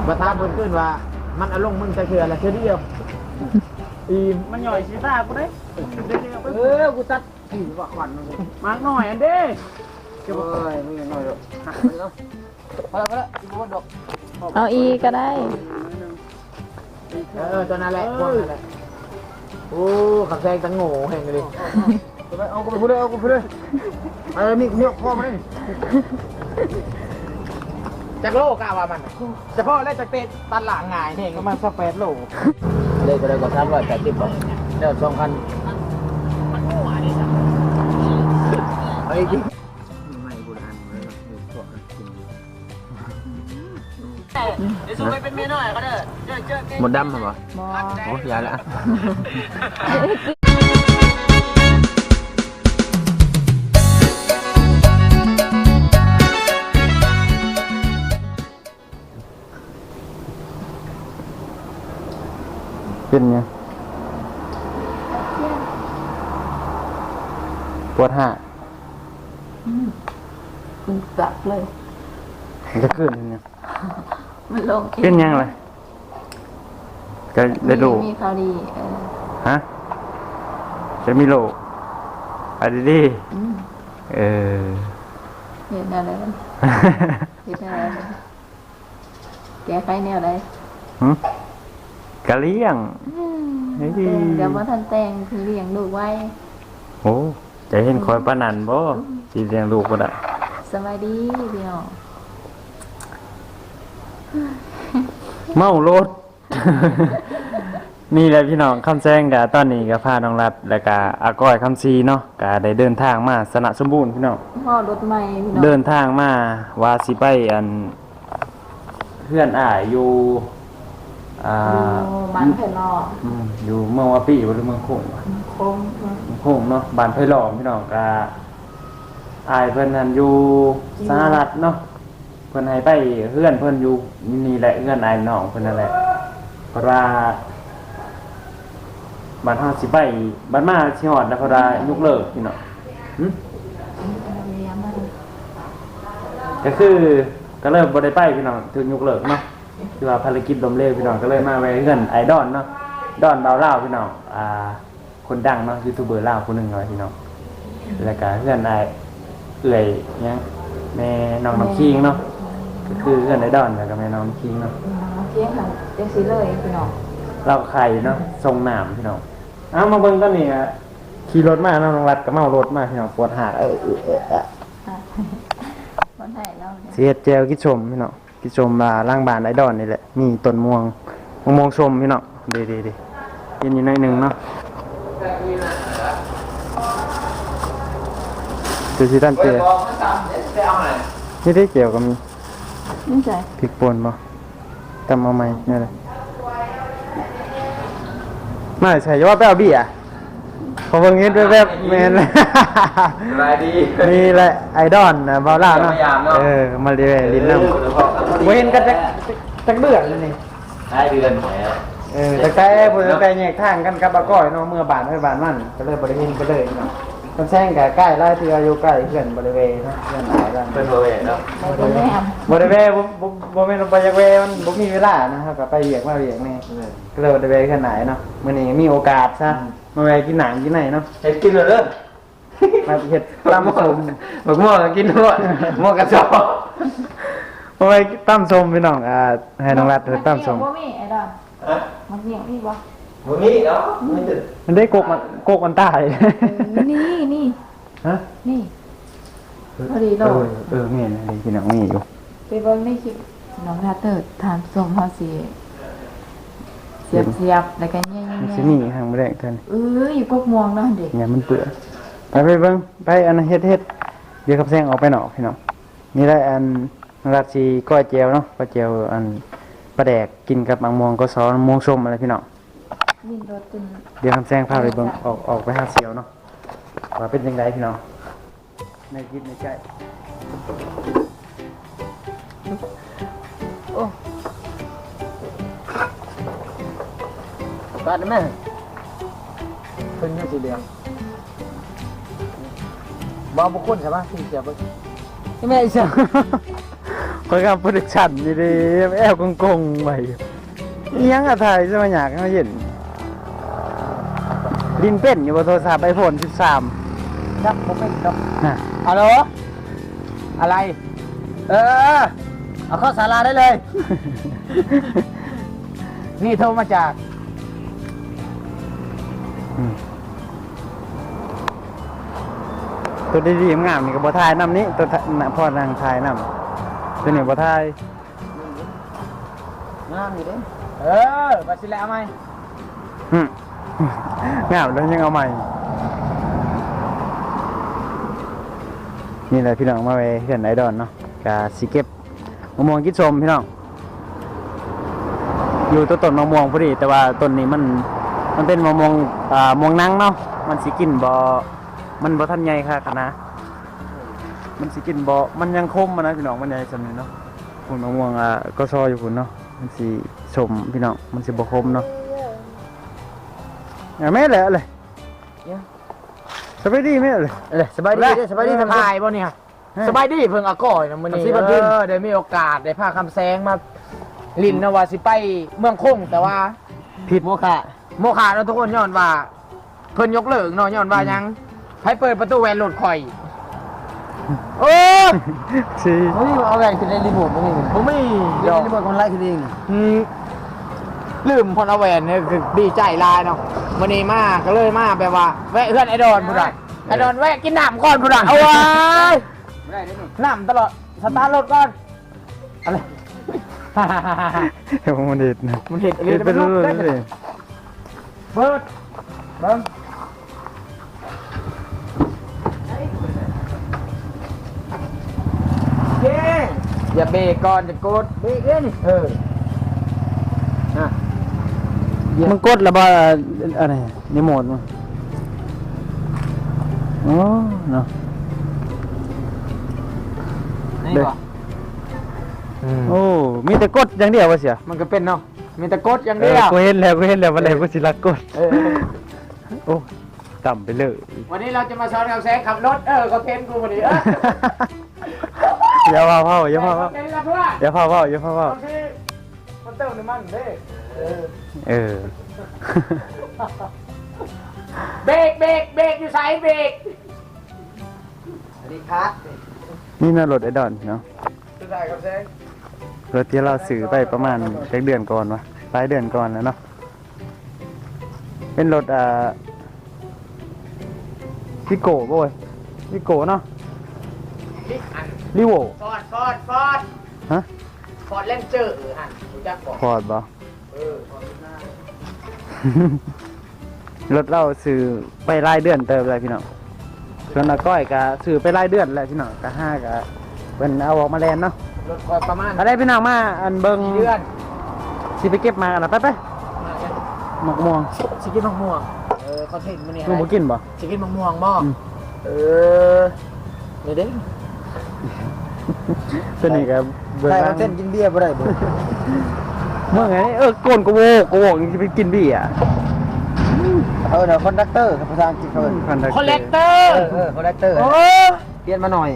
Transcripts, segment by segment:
มาตามคนขึ้นว่ามันอารมณ์มึงจะคืออะไรแค่เดียวอีมันหน่อยชีตากูได้กูตัดขี่ว่าขวัญมากหน่อยอันเด้เอ้ยไม่หน่อยหรอกหักไปแล้วพอแล้วอีกคนดอกเอาอีก็ได้ตัวนั้นแหละพวกนั้นแหละโอ้ขับแซงตังโง่แห่งเลยเอากูไปพูดเลยเอากูไปเลยนี่เนี่ยพ่อมาเลยจากโลกะว่ามันเฉพาะแล้วจากเตะตันหลังง่ายเองประมาณสัก8 โลเลยก็เลยก็380 บาทเดี๋ยว2,000มันโง่อันนี้จ้ะไอ้ที่ไม่โบราณเลยพวกกินเดี๋ยวสู้ไปเป็นเมียน้อยก็เด้อหมดดำเหรอโอ้ยาละเป็นไงปวดหักมันจับเลยมันจะขึ้นยังมันลงเป็นยังไงก็ได้ดูมีข่าวดีฮะจะมีโลอะไรดีเห็นอะไรมันเห็นอะไรแกไฟแนวอะไรกะเลี้ยงเดี๋ยวมาทันแต่งคือเลี้ยงลูกไว้โอ้ใจเห็นคอยปนันบ่ที่เลี้ยงลูกก็ได้สบายดีพี่น้องเมารถนี่แหละพี่น้องคำแซงกับตอนนี้กับพาน้องรัดแล้วก็อาก้อยคำซีเนาะก็ได้เดินทางมาสนะสมบูรณ์พี่น้องพ่อรถใหม่พี่น้องเดินทางมาว่าสิไปอันเพื่อนอยู่บ้านไผ่ล้อมอยู่เมืองวาปีหรือเมืองโขงโขงเนาะบ้านไผ่ล้อมพี่น้องก็เพิ่นนั่นอยู่สหรัฐเนาะเพิ่นให้ไปเพื่อนเพิ่นอยู่นี่แหละเพื่อนน้องเพิ่นนั่นแหละเพราะว่าบ้านเฮาสิไปบ้านมาสิฮอดแล้วเพราะว่ายกเลิกพี่น้องก็คือก็เริ่มบ่ได้ไปพี่น้องถึงยกเลิกเนาะคือว่าภารกิจล้มเหลวพี่น้องก็เลยมาแวะเฮือนไอดอนเนาะดอนดาวลาวพี่น้องคนดังเนาะยูทูบเบอร์ลาวคนหนึ่งเลยพี่น้องแล้วก็เฮือนเอื่อยยังแม่น้องน้ำคิงเนาะก็คือเฮือนไอดอนแล้วก็แม่น้องน้ำคิงเนาะเพียงค่ะเจ๊ซีเลยพี่น้องเราไข่เนาะทรงหนามพี่น้องมาเบิ่งตอนนี้ขี่รถมาน้องรัดก็เมารถมาพี่น้องปวดหักคนไทยเราเสียเจลกิชมพี่น้องกิชมล่างบานไอดอนนี่แหละมีต้นม่วงชมพี่น้องดีกินอยู่ในหนึ่งเนาะคือที่ด้านเตียนี่ได้เกี่ยวกับมีนี่ใช่พริกป่นบ่ตำเอาไหมนี่เลยไม่ใช่ว่าแป้วบี้พอเพิ่งเห็นแวบๆแมนเลยนี่แหละไอดอนนะบาล่าเนาะมาเรียนลิ้นน้ำเห็นกันจักเดือนเลยนี่ได้เดือนแต่แต่แยกทางกันกับอาก้อยเนาะเมื่อบานมันก็เลยบริเวณก็เลยเนาะมันแซงกับใกล้ไล่ที่อายุใกล้เพื่อนบริเวณเนาะเพื่อนหลายกันเป็นบริเวณเนาะบริเวณบ่แม่นไปจากเวมันบ่มีเวลานะครับก็ไปเรียกมาเรียกนี่ก็เลยบริเวณขนาดเนาะมื้อนี้มีโอกาสซะมาแวะกินหนังกินไหนเนาะเฮ็ดกินเลยเด้อมาเฮ็ดตำส้มบักม่วงกินหมดม่วงกระสอบมาแวะตำส้มพี่น้องให้น้องรัดตำส้มบ่มีไอ้ดอนมันเหี่ยวนี่บ่บ่มีเนาะมันได้กกมันตายนี่ฮะนี่พอดีโลมีนะพี่น้องมีอยู่ไปเบิ่งในคลิปน้องรัดทานส้มเฮาสิเสียบแล้วก็แย่ๆสิมีทางบ่ได้เพิ่นอยู่กกม่วงเนาะเด็กเนี่ยมันเปื้อนไปเบิ่งไปอันเฮ็ดเดี๋ยวขับแซงออกไปนอกพี่น้องนี่ได้อันราชีก้อยเจียวเนาะก้อยเจียวอันปลาแดกกินกับมังม่วงก็ซอสม่วงส้มอะไรพี่น้องเดี๋ยวขับแซงพาไปเบิ่งออกไปหาเสียวเนาะว่าเป็นยังไงพี่น้องในคิดในใจโอ้ตัดได้ไหมขึ้นแค่สีเหลืองบางบุคคลใช่ไหมที่เสียบใช่ไหมไอ้เสียบคเขาทำโปรดักชั่นนี่ดิแอลกงๆไปยังอะถ่ายจะมาอยากให้เขาเห็นดินเป็นอยู่บนโทรศัพท์iPhone 13 ครับผมไม่ดอกน่ะฮัลโหลอะไร เอาเข้าศาลาได้เลย นี่โทรมาจากตัวดีๆงามนี่ก็บ่ทายน้ำนี้ตัวพ่อนางทายน้ำตัวนี้บ่ทายงามอยู่เด้มาสิแล้วไหมหึ งามแล้วยังเอาใหม่ นี่แหละพี่น้องมาไว้เห็นไอดอนเนาะกาสิเก็บมะม่วงกินชมพี่น้องอยู่ต้นมะม่วงพอดีแต่ว่าต้นนี้มันเป็นมะม่วงม่วงนังเนาะมันสิกินบ่มันบ่ทันใหญ่ค่ะนะมันสิกินบ่มันยังคมนะพี่น้องมันใหญ่ซั่นนี่เนาะพุ่นมะม่วงก็ซออยู่พุ่นเนาะมันสิชมพี่น้องมันสิบ่คมเนาะแม่แหละเลยสบายดีแม่เลยสบายดีสบายดีสบายบ่เนี่ยสบายดีเพิ่งอาก่อยนะมื้อนี้ได้มีโอกาสได้พาคำแสงมาลินนะว่าสิไปเมืองคงแต่ว่าผิดโมฆะเนาะทุกคนย้อนว่าเพิ่นยกเลิกเนาะย้อนว่ายังให้เปิดประตูแวนรถข่อยโอ้สิเฮ้ยเอาแวนขึ้นในรีโมทบ่มีผมไม่ยอมรีโมทคนไล่ขึ้นเองลืมพอนเอาแวนเนี่ยคือดีใจลายเนาะวันนี้มาก็เลยมาแบบว่าแวะเพื่อนไอดอนพุ่นอ่ะไอดอนแวะกินน้ำก่อนพุ่นอ่ะเอาไว้น้ำตลอดสตาร์ทรถก่อนอะไรเดี๋ยวมันเด็ดนะมันเห็นอะไรเป็นมันรูลุปกได้เลยเบิร์ดเบิ้งเย้อย่าเบรกก่อนจะกดเบรกเองนะมันกดแล้วบ่อะไรนี่โหมดมั้งโอ้เนาะนี่ก่อนโอ้มีแต่กดอย่างเดียวว่าเสียมันก็เป็นเนาะมีแต่กดอย่างเดียวกูเห็นแล้ววันไหนกูสิรักกดเออโอ้ต่ำไปเลยวันนี้เราจะมาสอนกับแซงขับรถเขาเทนกูวันนี้อย่าพาเผาอย่าพาเผาเทนละเพื่อนอย่าพาเผาอย่าพาเผาบางทีมันเติมน้ำมันเด้เออเบรกอยู่ไซส์เบรกสวัสดีครับนี่น่ารถไอดอนเนาะสุดท้ายกับแซงรถที่เราซื้อไปประมาณเดือนก่อนวะปลายเดือนก่อนแล้วเนาะเป็นรถวิโก้บ่ยวิโก้เนาะลิโวฟอร์ดฮะฟอร์ดเล่นเจอฮะรู้จักบอกฟอร์ดบ่ฟอร์ดหน้ารถเราซื้อไปรายเดือนเติมเลยพี่น้องส่วนอาก้อยก็ซื้อไปรายเดือนแหละพี่น้องก็ห้าก็เป็นเอาออกมาแลนเนาะรถประมาณอะไรพี่น้องมาอันเบิ่งเดือนสิไปเก็บมากันนะไปหมกม่วงสิกินมะม่วงเขาเทนมันนี่ลูกบ่กินบ่สิกินมะม่วงบ่นี่เด้ตัวนี้ก็เบิ่งใครบ้าเอางเส้นกินเบียร์บ่ได้บ่เมื่อไงโกนกโวกสิไปกินเบียร์เดี๋ยวคอนดักเตอร์ภาษาอังกฤษเขาคอนแทคเตอร์คอนดักเตอร์เปลี่ยนมาหน่อย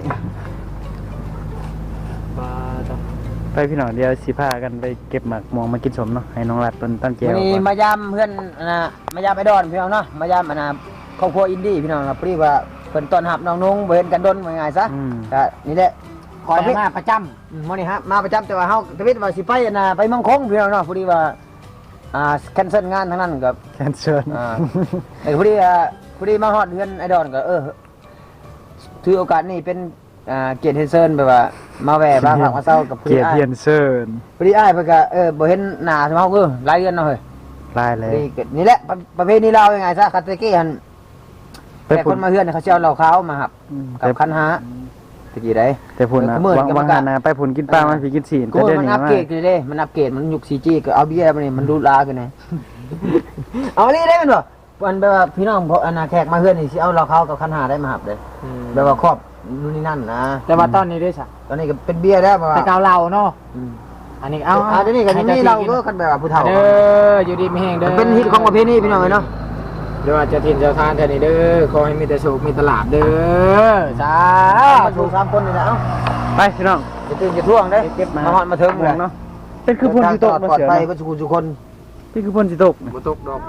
ไปพี่น้องเดี๋ยวสิพากันไปเก็บหมากม่วงมากินสมเนาะให้น้องรัดเพิ่นตั้งแจววันนี้ก่อนมายามเพื่อนมายามไอดอนพี่น้องเนาะมายามครอบครัวอินดี้พี่น้องครับพอดีว่าเพิ่นต้อนรับน้องนุ่งบ่เห็นกันดนว่าง่ายซะก็นี่แหละคอยมาประจำมื้อนี้ฮะมาประจำแต่ว่าเฮาทวิตว่าสิไปไปเมืองคงพี่น้องเนาะพอดีว่าแคนเซิลงานทั้งนั้นกับแคนเซิลพอดีมาฮอดเฮือนไอดอนก็ถือโอกาสนี้เป็นเกียรติเฮนเซิลแบบว่ามาแวะบ้างหลังมาเศร้ากับเกียรติเฮียนเซินพอดีอ้ายเพิ่นก็บ่เห็นหน้าเฮาหลายเดือนเนาะเฮ้ยลายเลยนี่แหละประเภทนี้เรายังไงซะคาเตเก้หันแต่คนมาเฮือนเขาเจ้าเราเขามาครับกับคันหาตะกี้ได้แต่พุ่นนะวางหานะไปพุ่นกินปลามันพี่กินศีลกูมันอัปเกรดเลยมันอัปเกรดมันยุค 4G ก็เอาเบี้ยมันนี่มันดูลากันไงเอานี่ได้มันบ่มันแบบว่าพี่น้องเพราะแขกมาเฮือนนี่สิเอาเราเขากับคันหาได้มาครับเลยแบบว่าครอบนู่นนี่นั่นนะแต่ว่าตอนนี้ได้ซะตอนนี้ก็เป็นเบี้ยแล้วว่าแต่เก่าเราเนาะอันนี้เอาเดี๋ยวนี้ก็นี่เราก็คันแบบว่าผู้เฒ่าอยู่ดีไม่แห้งเด้อเป็นฮิตของประเภทนี้พี่น้องเนาะเดี๋ยวจะถิ่นเจ้าทานแทนนี่เด้อขอให้มีแต่โชคมีตลาดเด้อสาธุ3คนนี่นะเอ้าไปพี่น้องจะตื่นจะท่วงได้เก็บมาฮอดมาเทิงเลยเนาะเป็นคือพ่นสิตกปลอดภัยเนาะเพื่อทุกคนเป็นคือพ่นสิตกบ่ตกดอก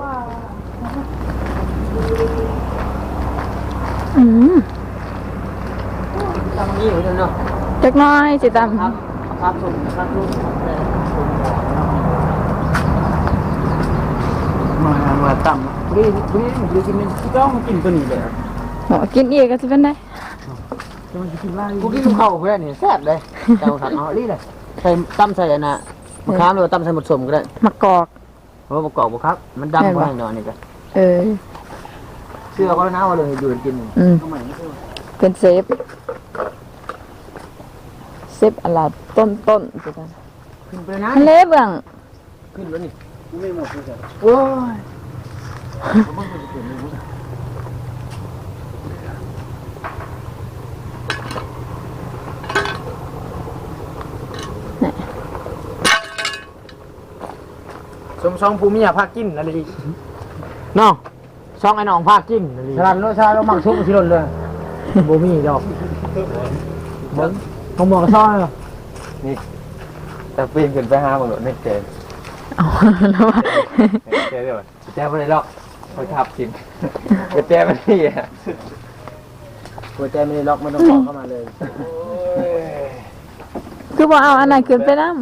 อืมตามนี้อยู่เนาะจักหน้อยสิตามครับส่งครับลูกมาต่ำนี่กินนึงต้องกินตัวนี้เลยหมอกินอีกก็จะเป็นได้กูกินข้าวเพื่อนนี่แซ่บเลยเจ้าสัตว์เอาลี่เลยใส่ตำใส่อันน่ะมะขามหรือว่าตำใส่หมดสมก็ได้มะกอกเพราะประกอบบ่ครับมันดำกว่าหน่อยนี่ก็เออเชื่อก็แล้วนะว่าเลยอยู่กินอืมเป็นเซฟอะไรต้นสิตามขึ้นไปนะทะเลเบื้องขึ้นแล้วนี่ไม่หมดเลยโอ้ยสมซองภูมิอยากพากินอะไรอีกน้องช่องไอ้น้องภาคจิ้มชาลันโลชาเรามักชุบชิลนเลยบ่มีดอกเบิ้งต้องบอกกับซ้อยเหรอแต่ปีนขึ้นไปหาบังหลดไม่เจอเอาแล้วว่าเจอเดี๋ยวแจ้ไม่ได้หรอกเขาทับกินก็แจ้ไม่ได้อ่ะหัวใจไม่ได้ล็อกมันต้องบอกเข้ามาเลยคือบ่เอาอันไหนขึ้นไปนำ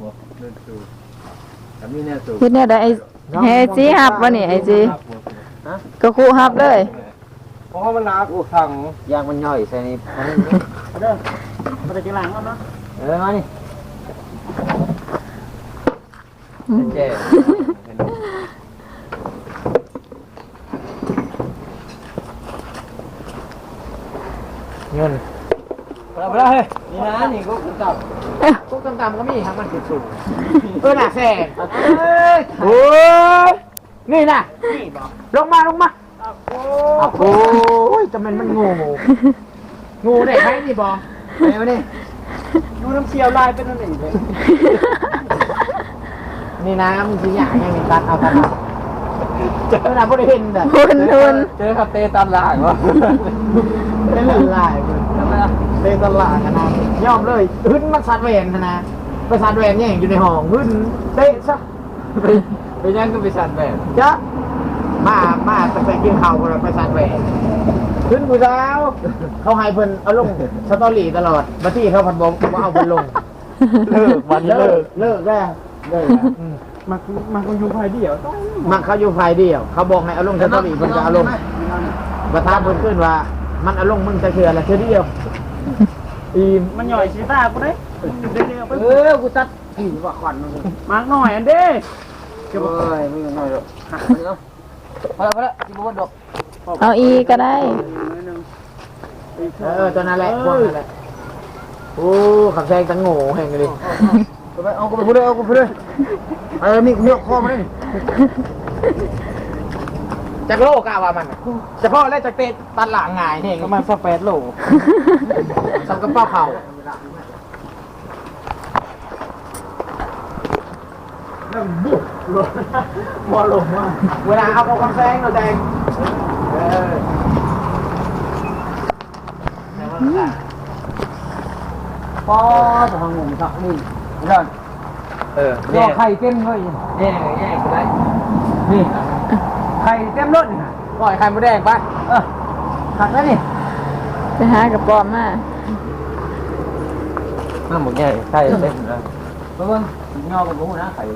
แต่มีแน่สูงเฮ็ดแนวใดไอ้เฮจีฮับบ่นี่ไอ้จีก็คู่ฮับเลยเพราะมันหนักอุทังยางมันย่อยใส่นี่เด้อมาได้กินหลังแล้วเนาะมานี่แจ้เงินไปแล้วเฮ้ยนี่นะนี่ก็กำกับก็กำกับก็มีครับมันติดสูงหนักแซ่โอ้ยนี่นะลงมาโอ้ยจะมันงูได้ไหมนี่บอไปมานี่ดูน้ำเชียวลายเป็นอะไรเลยนี่นะมันสิอย่างยังมีตัดเอาตัดเอาเจอหน้าบ่ได้เห็นแบบทุนเจอครับเตตันหลางวะไม่เหลือลายเตะตลาดนะยอมเลยหึ้นมันสัตว์แหวนนะไปสัตว์แหวนเนี่ยอยู่ในห้องหึ้นเตะซะไปยังก็ไปสั่นแบบจ๊ะมาตั้งแต่กินข้าวกันไปสัตว์แหวนหึ้นกูเช้าเขาให้เพิ่นเอาลงสตอรี่ตลอดมาที่เขาพันบอกว่าเอาเพิ่นลงเลิกวันเลิกเลิกแล้วมาคนอยู่ภายเดียวต้องมันเขาอยู่ฝ่ายเดียว เขาบอกให้เอาลงสตอรี่เพิ่นจะเอาลงประธานเพิ่นขึ้นว่า มันเอาลงมึงจะเชื่อละเชื่อเดียวอีมมันหย่อยชีตากูได้เร็วๆไปกูตัดผีว่าขวัญมึงมากหน่อยอันเด้เอ้ยไม่น้อยหรอกหักไปแล้วพอแล้วที่บ้านดอกเอาอีก็ได้ตอนนั้นแหละพวกนั้นแหละโอ้ขับแซงตังโง่แห่งเลยเอากูไปพูดเลยเอากูไปเลยมีเนื้อคอมาเลยจากโลกะว่ามันเฉพาะแล้วจากเตะตันหลังหงายเองประมาณ8โลทำกระเป๋าเข่าบอลลงมาเวลาเอาคำแซงเราแดงพอจะทำงงสักนี่นั่นแย่ไข่เต็มเลยแย่กูได้นี่ไข่เต็มรถนี่ปล่อยไข่มดแดงไปหักแล้วนี่ไปหากระป๋อมมาน้ำหมดแย่ใช่เต็มเลยเบิ่งยอกับกูนะไข่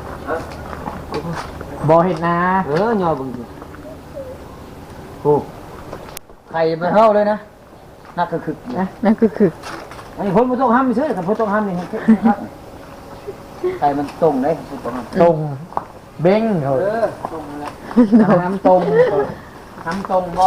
บ่เห็นนะยอบึงโอ้ไข่มันเท่าเลยนะนักก็คือนะนั่นคืออันนี้คนมันต้องห้ามไม่ซื้อกับคนต้องห้ามนี่ครับไข่มันตรงเลยตรงเบ้งเหรอตรงแล้วน้ำตรงบ่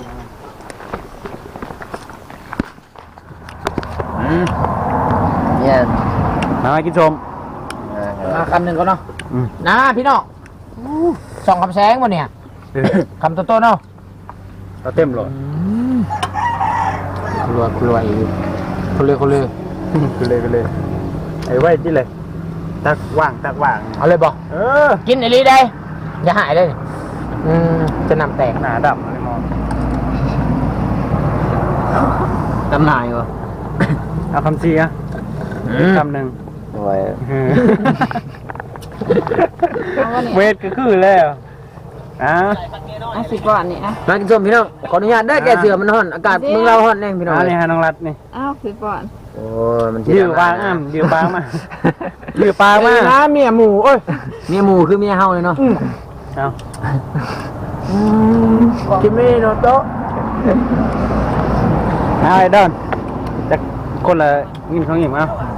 เนี่ยมากินชมมาคำหนึ่งก็เนาะนะพี่น้องส่องคำแสงวันเนี่ยคำโตๆเนาะเราเต็มเลยรวยคนเลยไปเลยไอ้ไว้ที่เลยตักว่างเอาเลยบอก กินไอ้ลีได้อย่าหายเลยจะนำแตกหนาดำอะไรมองตำนายวะเอาคำซีอะคำหนึ่งโอ้ยเอาวะนี่เวทก็คือแล้วอ่ะเอาสิก่อนนี่อ่ะมากินส้มพี่น้องขออนุญาตได้แกเสือมันฮ้อนอากาศเมืองเราฮ้อนแน่พี่น้องนี่ฮะน้องรัดนี่เอาสิก่อนโอ้ยมันดิวปางดิวปางมาดิวปางมาน้าเมียหมูโอ้ยเมียหมูคือเมียเฮาเลยเนาะเอากินไม่โนโตะไอ้ดอนจากคนละยินของหญิงเอา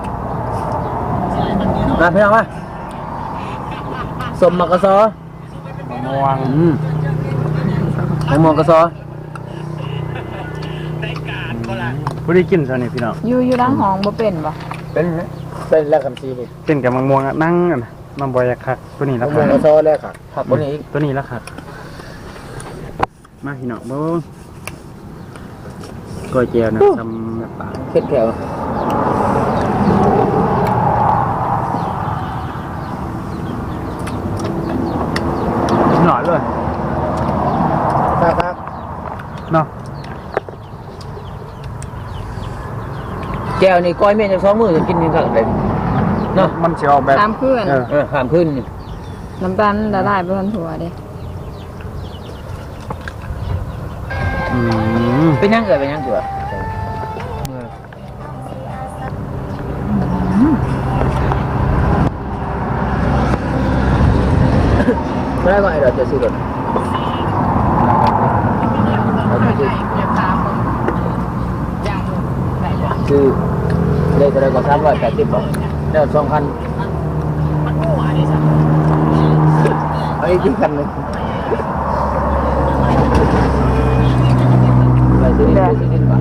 มาพี่น้องมาสมมักกะซอม่วงแตงโมกะซอผู้ได้กินซะนี่พี่น้องอยู่ดังห้องบ่เป็นบ่เป็นแล้วคำซีนี่กินกับมังม่วงอะนั่งกันนะมันบอยากคักตัวนี้ละแตงโมคักกะซอแล้วค่ะผักคนนี้อีกตัวนี้ละคักมาพี่น้องเบิ่งก้อยเจียวนะทำปลาเค็ดแขวหน่อยเลยครับเนาะแก้วนี่ก้อยเมียจะ2มื้อจะกินนี่ก็ได้เนาะมันจะออกแบบตามเพื่อนข้ามขึ้นนี่น้ำตาลละลายไปบนถั่วเด้เป็นยังเป็นยังตัวไม่ได้ก่อนเดี๋ยวจะซื้อรถซื้อได้ก็ได้ก็380บาทแล้ว2,000เอาอีกคันนึงไปซื้อดินป่ะ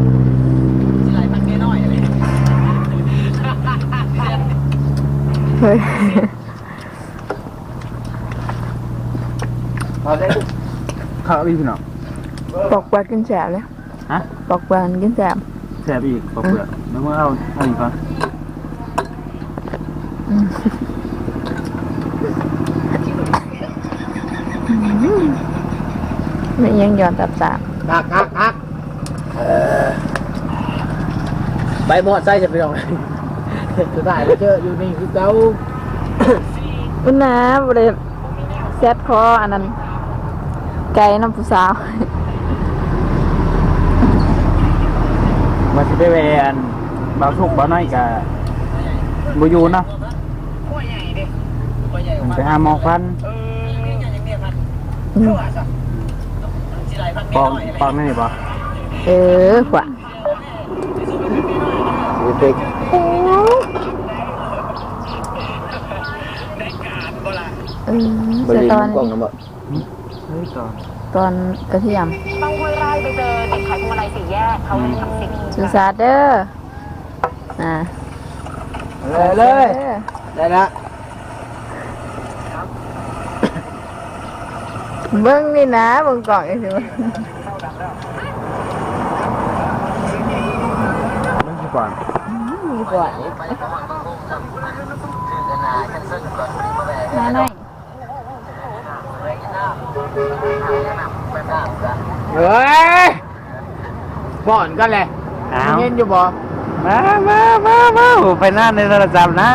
เฮ้ยเอาได้ข้าวอีกพี่น้องปอกปลากินแสบเลยฮะปอกปลากินแสบแซ่บอีกปอกเปลือกแล้วเมื่อเอาอีกก่อนไม่ยังย้อนตับสามคักใบหมดไส้จะไปลองสุดท้ายไปเจออยู่นี่คือเก้าอุ้นนะบ่ได้แซดคออันนั้นไก่น้ำผู้สาวมาสิไปแวนเบาสุกเบาน้อยกับบูยูเนาะไปหาหมอฟันปอกนี่ป่ะขวาเด็ก บเสีริยเวตอณนกล้องนะบ่เฮ้ยก่อนตอนกระเทียมต้องห้วยไร่ไปเจอเด็กขายพวงมาลัย4 แยกเขาเลยทำสิ่งสุสาเด้ออ่าเลยได้ละเบิ้งนี่นะเบิ้งกล่องอีกทีไม่ใช่ก่อนมีก่อนมาหน่อยเฮ้ยบ่อนกันเลยอ้าวเห็นอยู่บ่มาไปนั่นในโทรศัพท์นะ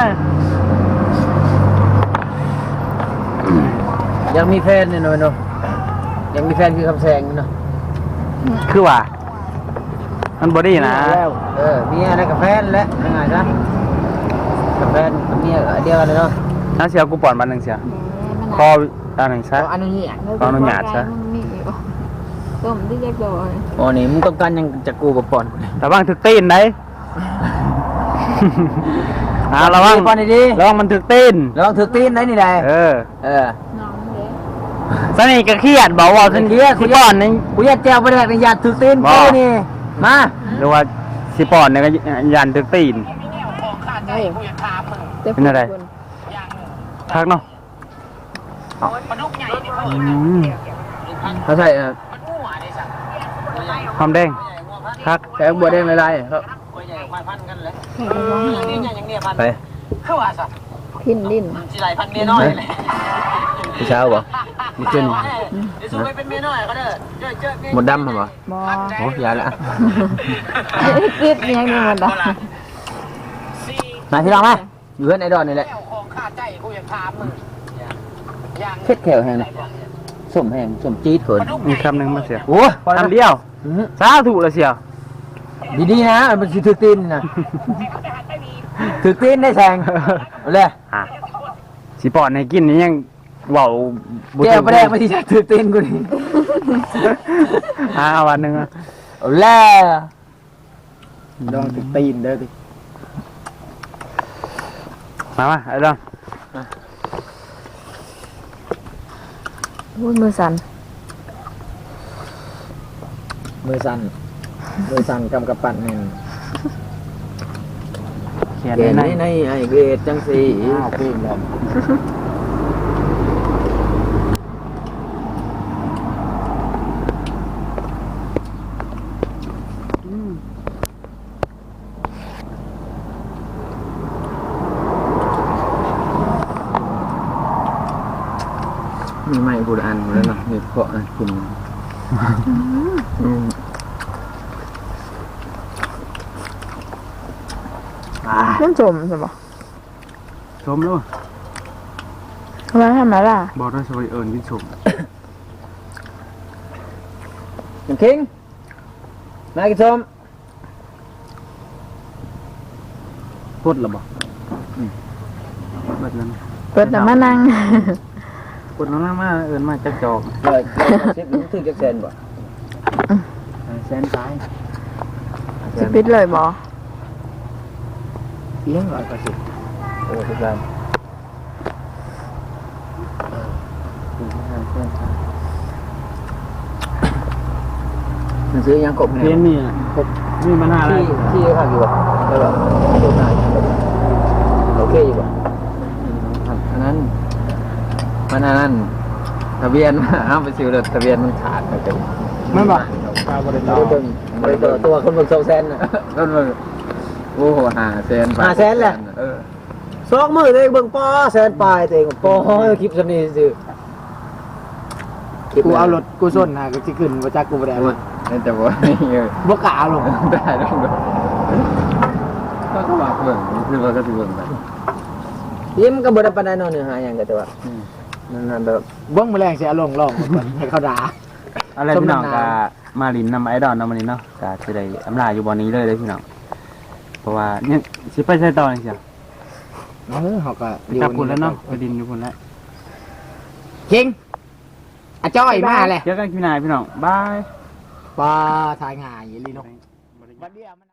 ยังมีแฟนเนี่ยหน่อยเนาะยังมีแฟนคือคำแสงเนาะคือว่ามันบอดี้นะแล้วเมียได้กับแฟนแล้วยังไงนะกับแฟนกับเมียเดียวกันเลยเนาะน้าเสียกูปอนมันหนึ่งเสียคออันหนึ่งซะอันนี้ขออนุญาตซะต้มที่แยกโดยอ๋อนี่มึงต้องการยังจะกูกับปอนระวังถึกตีนได้ ระวังปอนดีระวังมันถึกตีนๆระวังถือตีนได้นี่ได้เออน้องเด็กสนิทก็เครียดบอกว่าสนิทสิปอนนี่กูอยากแจวไปแรกในยาถือตีนกูนี่มาหรือว่าสิปอนเนี่ยก็ยันถึกตีนเฮ้ยเป็นอะไร พักเนาะเขาใส่หอมแดงพักแกงบัวแดงลายๆครับไปพินลิ้นพี่เช้าบ่มีเจนหมดดำเหรอบ่โอ้ยาละติดยังมีหมดอ่ะมาพี่น้องมาอยู่เพื่อนไอดอนนี่แหละของข้าใจกูอยากถามมึงอย่างเผ็ดแขวแห้งนะส้มแห้งส้มจี๊ดเขินมีคำหนึ่งมาเสียโอ้ยพอแล้วคำเดียวสาธุละเสียวดีๆนะมันสิถือตีนนะถือตีนได้แซงเอาเลยอ่ะสิปอดในกินนี่ยังเว้าบ่แก้วประแดงมาที่จะถือตีนกูนี่เอาวันหนึงอ่ะเอาเลยลองติดตีนเด้อดิมาไอ้ดอนพูดมือสั่นมือสั่นกำกับปั่นหนึ่งเขียนเกณฑ์ในในไอเกรดจังสีปีนเลยมีไม้กูอันหมดแล้วเนาะมีเพาะกินมันสมใช่ปะชมแล้วทำไมทำไมล่ะบอกด้วยสวัสดีเอิญกินชมน้ำคิงมากินส้มพูดหรอบอกเบิดแล้วเปิดแต่มานั่งพูดน้องมาเอิญมาจักจอกเลยเช็ดถึงจักเซนบ่แสนซ้ายสิปิดเลยบอเลี้ยง180 โอ้ทุกท่านมันซื้อยังกบเพี้ยนนี่นี่มันอะไรที่ข้างอยู่บ่ได้บ่โดนหน้าโอเคอยู่บ่อันนั้นมันอันนั้นทะเบียนห้ามไปซื้อเลยทะเบียนมันขาดไปเป็นไม่บอกข้าวบริไม่ตาได้เบิ่งไม่ได้เบิ่งตัวคนเบิ่ง200,000น่ะต้นมึงโอ้โห500,000 500,000แหละ สองมือเลยเบิ่งปอแสนปลายตัวเองปอคลิปสำนีซื่อกูเอารถกูส้นนะก็จะขึ้นมาจากกูไปได้นั่นแต่ว่านี่เออบ่กล้าลงได้ต้องเบิ่งก็ว่าเบิ่งคือว่าก็สิเบิ่งไปยิ้มก็บ่ได้ปานใดเนาะเนื้อหาหยังก็แต่ว่านั่นแบบเบิ้งแมลงเสียลงลองก่อนให้เขาด่าอะไรพี่น้องกะมาลินนำไอดอนนำมันนี้เนาะกะจะได้อำลาอยู่บอนนี้เลยพี่น้องเพราะว่าเนี่ยสิไปใช้ต่อนี่เสียเขาก็ไปกลับคุณแล้วเนาะไปดินอยู่คุณแล้วคิงอาจ้อยมาเลยเจอกันพี่นายพี่น้องบายปลาทายง่ายลีนก